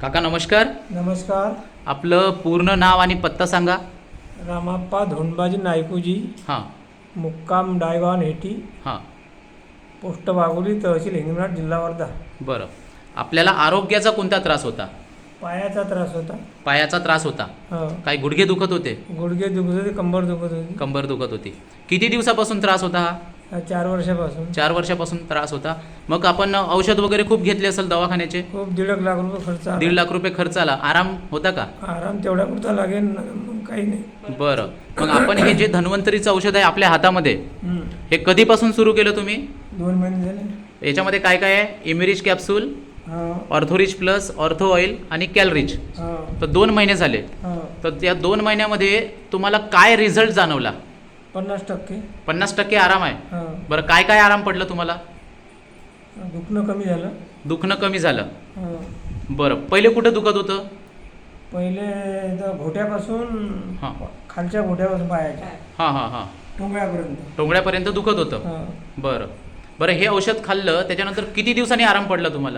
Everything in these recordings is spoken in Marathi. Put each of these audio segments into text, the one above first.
काका नमस्कार. नमस्कार. आपलं पूर्ण नाव आणि पत्ता सांगा. रामाप्पा धोंडबाजी नायकूजी, हां मुक्काम डायगाव हेटी, हां पोस्ट वाघोली, तहसील हिंगणघाट, जिल्हा वर्धा. बरं. आपल्याला आरोग्याचा कोणता त्रास होता? पायाचा त्रास होता. पायाचा त्रास होता. हो. काय गुडघे दुखत होते? गुडघे दुखत होते, कंबर दुखत होती. कंबर दुखत होती. किती दिवसापासून त्रास होता हा? 4 वर्षापासून. 4 वर्षापासून त्रास होता. मग आपण औषध वगैरे खूप घेतले असेल दवाखान्याचे? खूप 1.5 लाख रुपये खर्च आला. 1.5 लाख रुपये खर्च आला. आराम होता का? आराम तेवढा पुरता लागेल, मग काही नाही. बरं. मग आपण हे जे धन्वंतरीचं औषध आहे आपल्या हातामध्ये, हम्म. हे कधीपासून सुरू केलं तुम्ही? 2 महिने झाले. याच्यामध्ये काय काय आहे? इमिरिज कॅप्सूल, हो. ऑर्थोरिच प्लस, ऑर्थो ऑइल आणि कॅलरिच. हो. तर 2 महिने झाले. हो. तर त्या 2 महिन्यामध्ये तुम्हाला काय रिझल्ट जाणवला? 50%. 50% आराम आहे. हो. बरं, काय काय आराम पडलं तुम्हाला? दुखणं कमी झालं. दुखणं कमी झालं. हो. बरं, पहिले कुठं दुखत होतं? पहिले तर घोट्यापासून, हां खालच्या घोट्यापासून पायाच्या हां हां हां टोंगळ्यापर्यंत. टोंगळ्यापर्यंत दुखत होतं. हो. बरं बरं, हे औषध खाल्लं त्याच्यानंतर किती दिवसांनी आराम पडला तुम्हाला?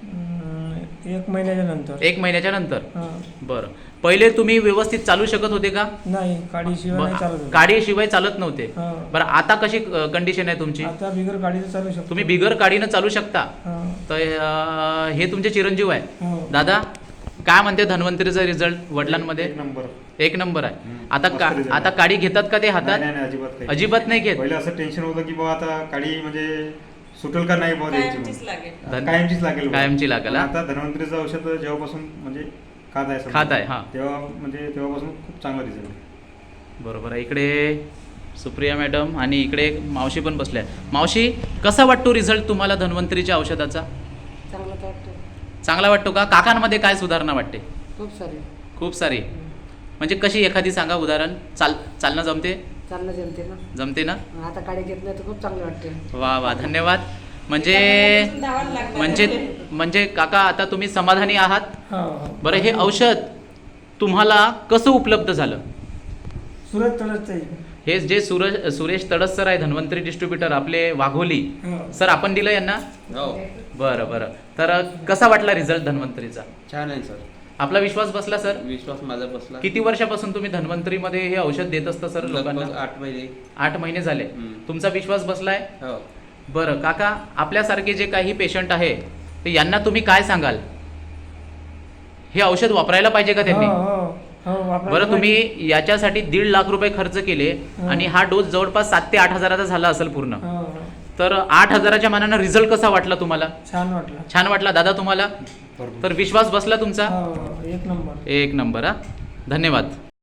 1 महिन्याच्या नंतर. 1 महिन्याच्या नंतर. हा. बरं, पहिले तुम्ही व्यवस्थित चालू शकत होते का? नाही, काडीशिवाय नाही चालत होतं. काडीशिवाय चालत नव्हते. हा. बरं, आता कशी कंडिशन आहे तुमची? आता बिगर काडीचं चालू शकतो. तुम्ही बिगर काडीनं चालू शकता. हा. तर हे तुमचे चिरंजीव आहे. हो. दादा, काय म्हणते धन्वंतरीचा रिझल्ट वडिलांमध्ये? एक 1 नंबर. नंबर आहे. हम्म. आता मस्त result आता आहे. काडी घेतात का ते हातात? नाही नाही, अजिबात काही. अजिबात नाही घेत. पहिलं असं टेन्शन होतं की बाबा आता काडी म्हणजे सुटेल का नाही बाबा द्यायची कायमचीच म्हणून. लागेल. कायमचीच लागेल बाबा. कायमची लागेल, पण हा. आता धन्वंतरीचं औषध जेव्हापासून म्हणजे खात आहे समजा, खात आहे, हा. तेव्हापासून खूप चांगला रिझल्ट आहे. बरोबर आहे. इकडे सुप्रिया मॅडम आणि इकडे मावशी पण बसल्या. मावशी, कसा वाटतो रिझल्ट तुम्हाला धन्वंतरीच्या औषधाचा? चांगलं वाटतं. चांगला वाटतो का? काकांमध्ये काय सुधारणा वाटते? खूप सारे. खूप सारी. म्हणजे कशी, एखादी सांगा उदाहरण. चालणं जमते? चालणं जमते ना. जमते ना? आता काडी घेत नाही तर खूप चांगलं वाटते. वा वा, धन्यवाद. म्हणजे म्हणजे काका, आता तुम्ही समाधानी आहात? हा, हा. बरं, हे औषध तुम्हाला कसं उपलब्ध झालं? सुरत तळसचं. हे जे सुरेश तडस सर आहे, धन्वंतरी डिस्ट्रीब्युटर आपले वाघोली हो. सर, आपण दिलं यांना? बरं बरं. तर कसा वाटला रिझल्ट धन्वंतरीचा? छान आहे सर. आपला विश्वास बसला सर? विश्वास माझा बसला. किती वर्षापासून तुम्ही धन्वंतरीमध्ये हे औषध देत असता सर लोकांना? लगभग 8 महिने. 8 महिने झाले. हम्म. तुमचा विश्वास बसलाय? हो. बरं काका, आपल्यासारखे जे काही पेशंट आहे तर यांना तुम्ही काय सांगाल? हे औषध वापरायला पाहिजे का त्यांनी? बरं, तुम्ही याच्यासाठी 1.5 लाख रुपये खर्च केले आणि हा डोस जवळपास 7 ते 8 हजाराचा झाला असेल पूर्ण. तर 8 हजाराच्या मानानं रिझल्ट कसा वाटला तुम्हाला? छान वाटलं. छान वाटला. दादा, तुम्हाला? बरोबर. तर विश्वास बसला तुमचा? हो, 1 नंबर. 1 नंबर. हा, धन्यवाद.